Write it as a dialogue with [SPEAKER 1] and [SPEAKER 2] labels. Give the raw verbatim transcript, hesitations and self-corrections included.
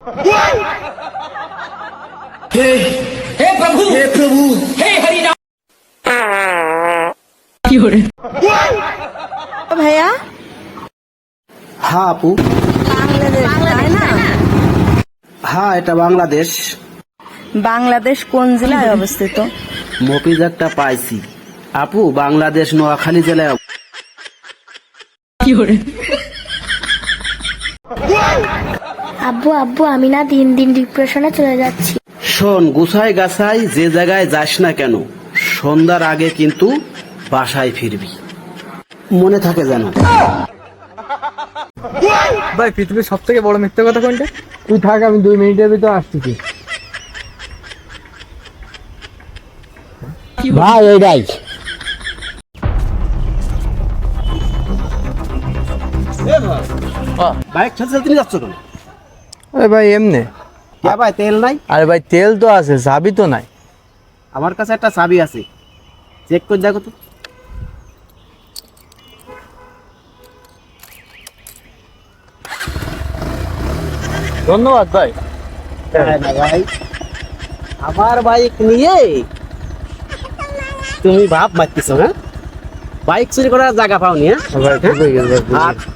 [SPEAKER 1] हे हे प्रभु हे प्रभु हे हरि राम কি হরে
[SPEAKER 2] ভাইয়া
[SPEAKER 3] হ্যাঁ আপু,
[SPEAKER 2] বাংলাদেশ তাই না?
[SPEAKER 3] হ্যাঁ এটা বাংলাদেশ।
[SPEAKER 2] বাংলাদেশ কোন জেলায় অবস্থিত?
[SPEAKER 3] মফিজ একটা পাইছি আপু, বাংলাদেশ নোয়াখালী জেলায়।
[SPEAKER 1] কি হরে
[SPEAKER 4] আব্বু আব্বু আমি না দিন দিন ডিপ্রেশনে চলে যাচ্ছি।
[SPEAKER 3] শোন, গুছাই গাছাই যে জায়গায় যাস না কেন, সন্ধ্যার আগে কিন্তু বাসায় ফিরবি, মনে থাকে যেন।
[SPEAKER 5] ভাই পৃথিবীর সব থেকে বড় মিথ্যা কথা কোনটা? তুই থাক, আমি দুই মিনিটের ভিতর আসতেছি।
[SPEAKER 6] ভাই এইটাই
[SPEAKER 3] বাইক ছেড়ে ছেড়ে তুমি যাচ্ছ কেন?
[SPEAKER 5] আরে ভাই এমনি।
[SPEAKER 3] কে ভাই, তেল নাই?
[SPEAKER 5] আরে ভাই তেল তো আছে, চাবি তো নাই।
[SPEAKER 3] আমার কাছে একটা চাবি আছে, চেক করে দেখো তো।
[SPEAKER 5] ধন্যবাদ ভাই।
[SPEAKER 3] ভাই আমার বাইক নিয়ে তুমি ভাব মারতেছো? হ্যাঁ, বাইক চুরি করার জায়গা পাওনি? হ্যাঁ,
[SPEAKER 5] ভাই ঠিক হয়ে গেছে ভাই।
[SPEAKER 3] আর